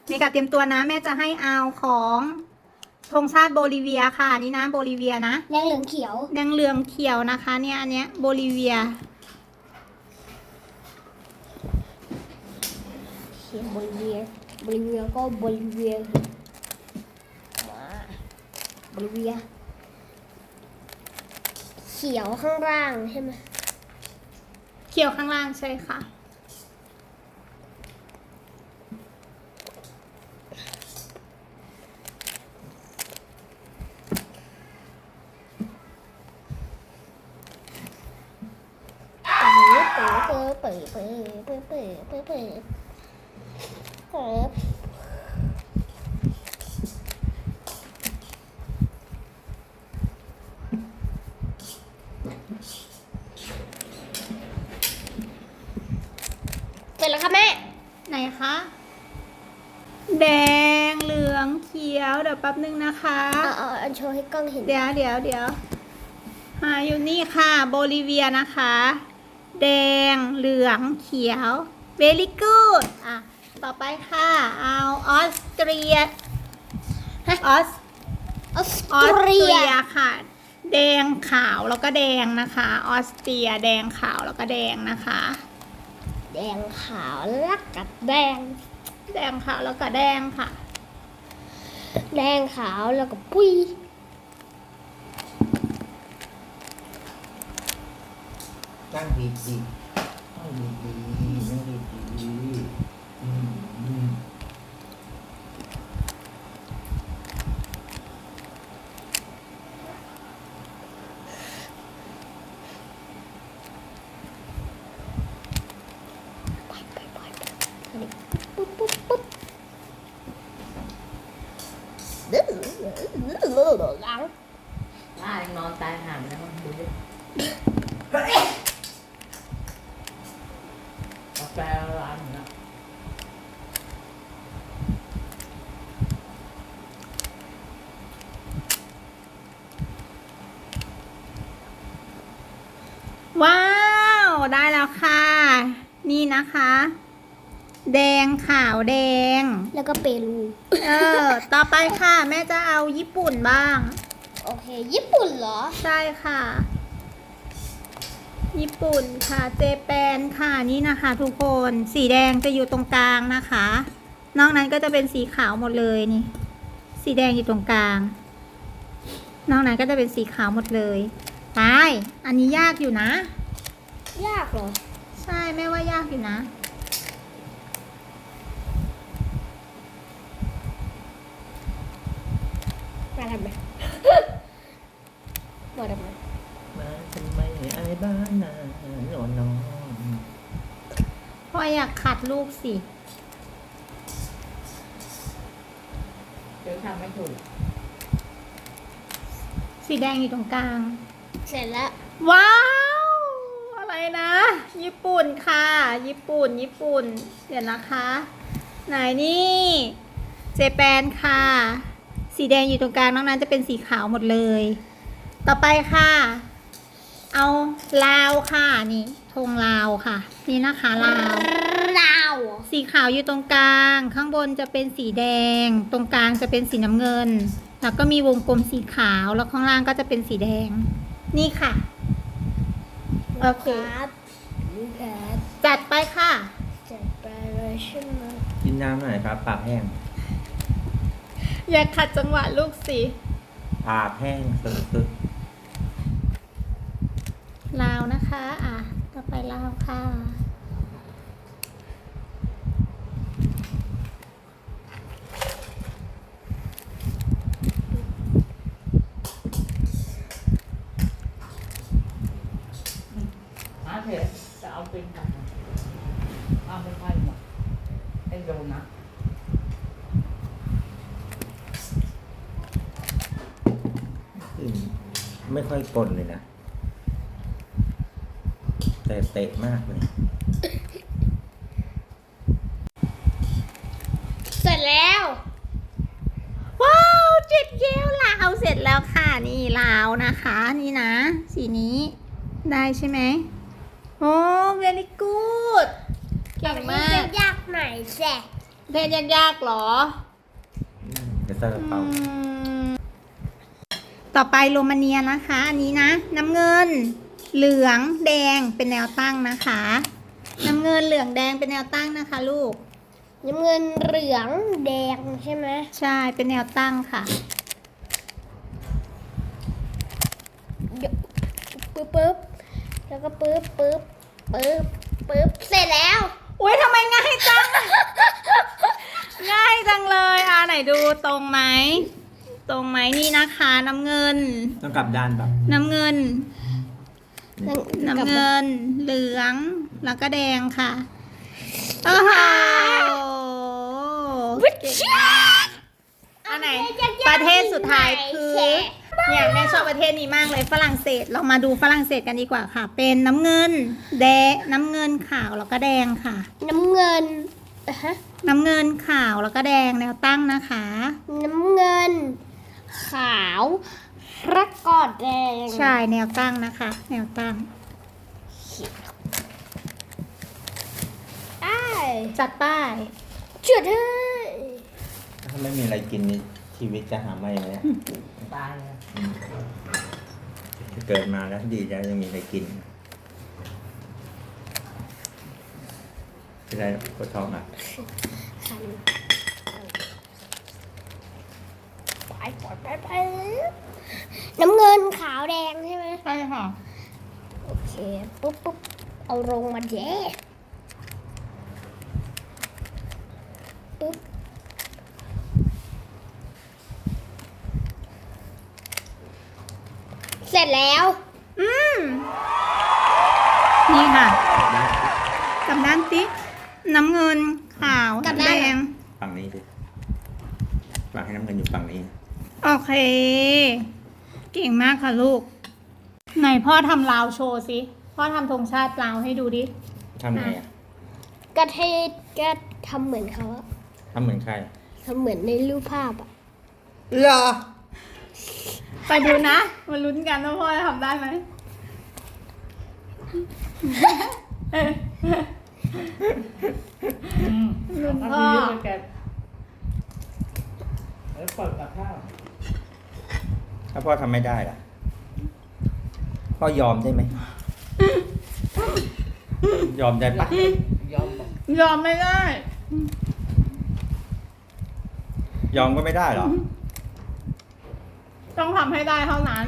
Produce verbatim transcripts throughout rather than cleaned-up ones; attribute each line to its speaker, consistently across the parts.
Speaker 1: เมกาเตรียมตัวนะแม่จะให้เอาของธงชาติโบลิเวียค่ะนี่นะโบลิเวียนะ
Speaker 2: แดงเหลืองเขียว
Speaker 1: แดงเหลืองเขียวนะคะเนี่ยอันเนี้ยโบลิเวีย
Speaker 2: เขียวโบลิเวียโบลิเวียก็โบลิเวียมาโบลิเวียเขียวข้างล่างใช่ไหม
Speaker 1: เขียวข้างล่างใช่ค่ะ
Speaker 2: เปิดเปิดเปิดเปิดเปิดเปิดเปิดเปิดเปิดเสร็จแล้วค่ะแม่
Speaker 1: ไหนคะแดงเหลืองเขียวเดี๋ยวแป๊บนึงนะคะ
Speaker 2: เอาเอาอันโชว์ให้กล้องเห็น
Speaker 1: เดี๋ยวเดี๋ยวเดี๋ยวหาอยู่นี่ค่ะโบลิเวียนะคะแดงเหลืองเขียว very good อ่ะต่อไปค่ะเอาออสเตรียออส
Speaker 2: ออส
Speaker 1: ออส
Speaker 2: เต
Speaker 1: เต
Speaker 2: รี
Speaker 1: รี
Speaker 2: ย
Speaker 1: ยค่ะ แดงขาวแล้วก็แดงนะคะออสเตรียแดงขาวแล้วก็แดงนะคะ
Speaker 2: แดงขาวแล้วกับแดง
Speaker 1: แดงขาวแล้วก็แดงค่ะ
Speaker 2: แดงขาวแล้วก็ปุ้ย
Speaker 3: ตั้งดีดีตั้งดีดีนั่งดีดีอืมอืม
Speaker 2: ไปไปไปไปปุ๊บปุ๊บปุ๊บดื้อหลัง
Speaker 4: ว่ายังนอนตายห่างแล้วดูดิกาแฟร้านนะ
Speaker 1: ว้าวได้แล้วค่ะ นี่นะคะ แดงขาวแดง
Speaker 2: แล้วก็เปรู
Speaker 1: เออ ต่อไปค่ะ แม่จะเอาญี่ปุ่นบ้าง
Speaker 2: โอเค ญี่ปุ่นเหรอ
Speaker 1: ใช่ค่ะ ญี่ปุ่นค่ะ เจแปนค่ะ นี่นะคะ ทุกคน สีแดงจะอยู่ตรงกลางนะคะ นอกนั้นก็จะเป็นสีขาวหมดเลยนี่ สีแดงอยู่ตรงกลาง นอกนั้นก็จะเป็นสีขาวหมดเลยไปอันนี้ยากอยู่นะ
Speaker 2: ยากเหรอ
Speaker 1: ใช่แม่ว่ายากอยู่นะ
Speaker 2: มาทำไม มาทำไม
Speaker 3: มาทำไมไอ้บ้านนอนนอน
Speaker 1: พ่ออยากขัดลูกสิ
Speaker 4: เดี๋ยวทำไม่ถูก
Speaker 1: สีแดงอยู่ตรงกลาง
Speaker 2: เสร็จแล้ว
Speaker 1: ว้าว อะไรนะ ญี่ปุ่นค่ะ ญี่ปุ่น ญี่ปุ่น เดี๋ยวนะคะ ไหนนี่ เจแปนค่ะ สีแดงอยู่ตรงกลางนอกนั้นจะเป็นสีขาวหมดเลย ต่อไปค่ะ เอาลาวค่ะนี่ธงลาวค่ะ นี่นะคะลาว
Speaker 2: ดาว
Speaker 1: สีขาวอยู่ตรงกลาง ข้างบนจะเป็นสีแดง ตรงกลางจะเป็นสีน้ำเงิน แล้วก็มีวงกลมสีขาว แล้วข้างล่างก็จะเป็นสีแดง นี่ค่ะ โอเค
Speaker 2: ครับนี่ครับ
Speaker 1: จัดไปค่ะ
Speaker 2: จัดไปเลยใช่ไหม
Speaker 3: กินน้ำหน่อยครับปากแห้ง
Speaker 1: อย่าขัดจังหวะลูกสิ
Speaker 3: ปากแห้งสุด
Speaker 1: ลาวนะคะ อ่ะ ต่อไปลาวค่ะ
Speaker 4: หาเถอะจะเอาเป็นกันเอาไปไฟหมดไอ้โดนนะ
Speaker 3: ๆอืมไม่ค่อยกลนเลยนะ แต่เตะมากเลย
Speaker 2: เสร็จแล้ว
Speaker 1: ว้าวเจ็ดเกลลาวเสร็จแล้วค่ะ นี่ลาวนะคะ นี่นะ สีนี้ ได้ใช่ไหม โอ้ very good เก่งมาก
Speaker 2: ยากหน่อยแส
Speaker 1: ประเทศยากๆหรอ
Speaker 3: เดี๋ยวซาลาเปา
Speaker 1: อืมต่อไปโรมาเนียนะคะ อันนี้นะ น้ำเงิน เหลืองแดงเป็นแนวตั้งนะคะ น้ำเงินเหลืองแดงเป็นแนวตั้งนะคะลูก
Speaker 2: น้ำเงินเหลืองแดงใช่ไหม
Speaker 1: ใช่เป็นแนวตั้งค่ะ
Speaker 2: ปึ๊บปึ๊บแล้วก็ปึ๊บปึ๊บปึ๊บปึ๊บเสร็จแล้ว
Speaker 1: อุ้ยทำไมง่ายจัง ง่ายจังเลยอ่ะไหนดูตรงไหม ตรงไหมนี่นะคะ น้ำเงิน
Speaker 3: ต้องกลับด้านแบบ
Speaker 1: น้ำเงิน
Speaker 3: นี่
Speaker 1: น้ำเงิน เหลือง แล้วก็แดงค่ะโอ้โหเก่งมากอันไหน ประเทศสุดท้ายคือเนี่ยแม่ชอบประเทศนี้มากเลยฝรั่งเศส เรามาดูฝรั่งเศสกันดีกว่าค่ะ เป็นน้ำเงิน แดง น้ำเงินขาวแล้วก็แดงค่ะ
Speaker 2: น้ำเงินอ่ะฮะ
Speaker 1: น้ำเงินขาวแล้วก็แดงแนวตั้งนะคะ
Speaker 2: น้ำเงิน ขาวแล้วก็แดง
Speaker 1: ใช่แนวตั้งนะคะ แนวตั้ง
Speaker 2: ได้
Speaker 1: จัดป้าย
Speaker 2: จุดให้
Speaker 3: ถ้าไม่มีอะไรกินนี่ชีวิตจะหาไม่ไหมอะ
Speaker 4: ตายเลย
Speaker 3: อืมเกิดมาแล้วดีแล้วยังมีอะไรกินเป็นไรปวดท้องอ่ะ
Speaker 2: คันไปไปไปไปน้ำเงินขาวแดงใช่ไหม
Speaker 1: ใช่ค่ะ
Speaker 2: โอเคปุ๊บปุ๊บเอาลงมาเย้ปุ๊บเสร็จแล้ว
Speaker 1: อืมนี่ค่ะกลับด้านติ๊กน้ำเงินขาวแดง
Speaker 3: ฝั่งนี้สิฝั่งให้น้ำเงินอยู่ฝั่งนี้
Speaker 1: โอเค เก่งมากค่ะลูก ไหนพ่อทำลาวโชว์สิ พ่อทำธงชาติลาวให้ดูดิ
Speaker 3: ทำไงอ่ะ
Speaker 2: กระเทศก็ทำเหมือนเขาอะ
Speaker 3: ทำเหมือนใคร
Speaker 2: ทำเหมือนในรูปภาพอะ
Speaker 3: เหรอ
Speaker 1: ไปดูนะ มาลุ้นกันว่าพ่อจะทำได้ไหม
Speaker 4: อืม
Speaker 1: ลุง
Speaker 4: เอา
Speaker 1: พ่อ
Speaker 4: ไปเยอะเลยแกแล้วเปิดกับข้าว
Speaker 3: ถ้าพ่อทำไม่ได้ล่ะ พ่อยอมได้ไหม ยอมได้ปะ
Speaker 4: ยอมบอก
Speaker 1: ยอมไม่ได้
Speaker 3: ยอมก็ไม่ได้เหรอ
Speaker 1: ต้องทำให้ได้เท่านั้น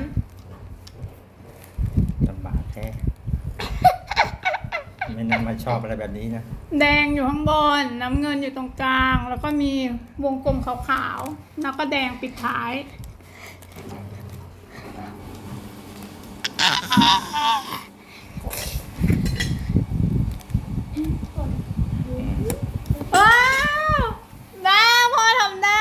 Speaker 3: ลำบากแท้ ไม่น่ามาชอบอะไรแบบนี้นะ
Speaker 1: แดงอยู่ข้างบน น้ำเงินอยู่ตรงกลาง แล้วก็มีวงกลมขาวๆ แล้วก็แดงปิดท้าย ว้าวได้พ่อทำได้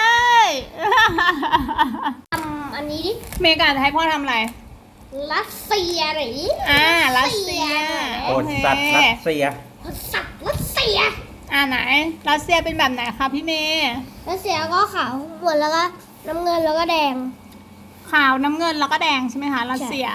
Speaker 2: ทำอันนี้ดิ
Speaker 1: เมกาจะให้พ่อทำอะไร
Speaker 2: รัสเซียหรือ
Speaker 1: อ่า รัสเซีย
Speaker 3: โอดสัตว์รัสเซีย
Speaker 2: สัตว์รัสเซีย
Speaker 1: อ่าไหน รัสเซียเป็นแบบไหนคะพี่เมย์
Speaker 2: รัสเซียก็ขาวหมดแล้วก็น้ำเงินแล้วก็แดง
Speaker 1: ขาวน้ำเงินแล้วก็แดงใช่ไหมคะรัสเซีย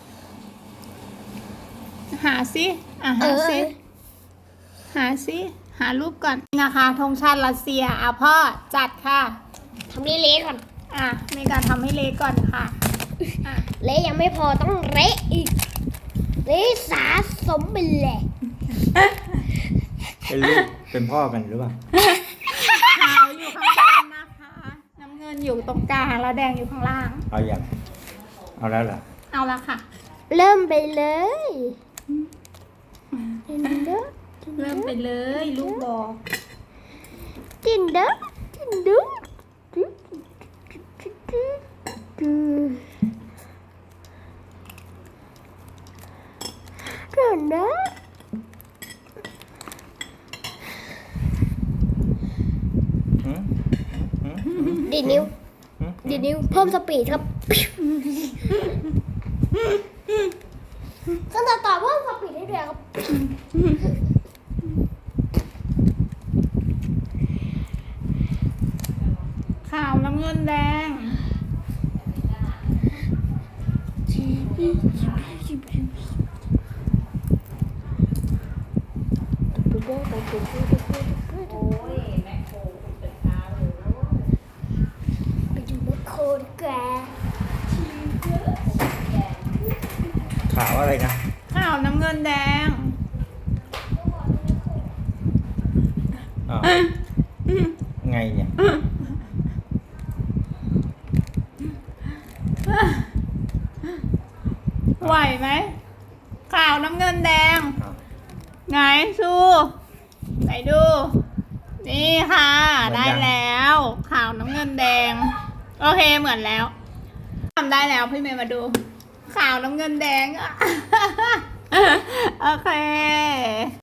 Speaker 1: หาสิอ่ะหาสิ
Speaker 2: เออ
Speaker 1: หาสิ หารูปก่อนนี่นะคะธงชาติรัสเซียอ่ะพ่อจัดค่ะ
Speaker 2: ทำเละๆก่อน
Speaker 1: อ่ะเมกาทำให้เละก่อนค่ะอ่ะ
Speaker 2: เละยังไม่พอต้องเละอีก เละสะสมไปเลย
Speaker 3: เป็นลูก เป็นพ่อกันหรือเปล่า
Speaker 1: ขาวอยู่ข้างบนนะคะ น้ำเงินอยู่ตรงกลางแล้วแดงอยู่ข้างล่าง
Speaker 3: เอาอย่าง เอาแล้วเหรอ
Speaker 1: เอาละค่ะ
Speaker 2: เริ่มไปเลยจินเดอร์
Speaker 1: เริ่มไปเลยลูกบอก
Speaker 2: จินเดอร์จินเดอร์จินเดอร์
Speaker 3: หืมหืมหืม
Speaker 2: ดีดนิ้ว
Speaker 3: หืม
Speaker 2: ดีดนิ้วเพิ่มสปีดครับขั้นตอนต่อเพิ่มสปีดให้ด้วยครับ
Speaker 1: ขาวน้ำเงินแดง
Speaker 4: โอ้ยแม่โค
Speaker 3: ขาวอะไรนะ
Speaker 1: ขาวน้ำเงินแดง
Speaker 3: อ้าวไงเนี่ย
Speaker 1: ไหวไหมขาวน้ำเงินแดง
Speaker 3: อ้าว
Speaker 1: ไงชูไหนดู นี่ค่ะ ได้แล้ว ขาวน้ำเงินแดง โอเคเหมือนแล้วทำได้แล้วพี่เมย์มาดู ขาวน้ำเงินแดง โอเค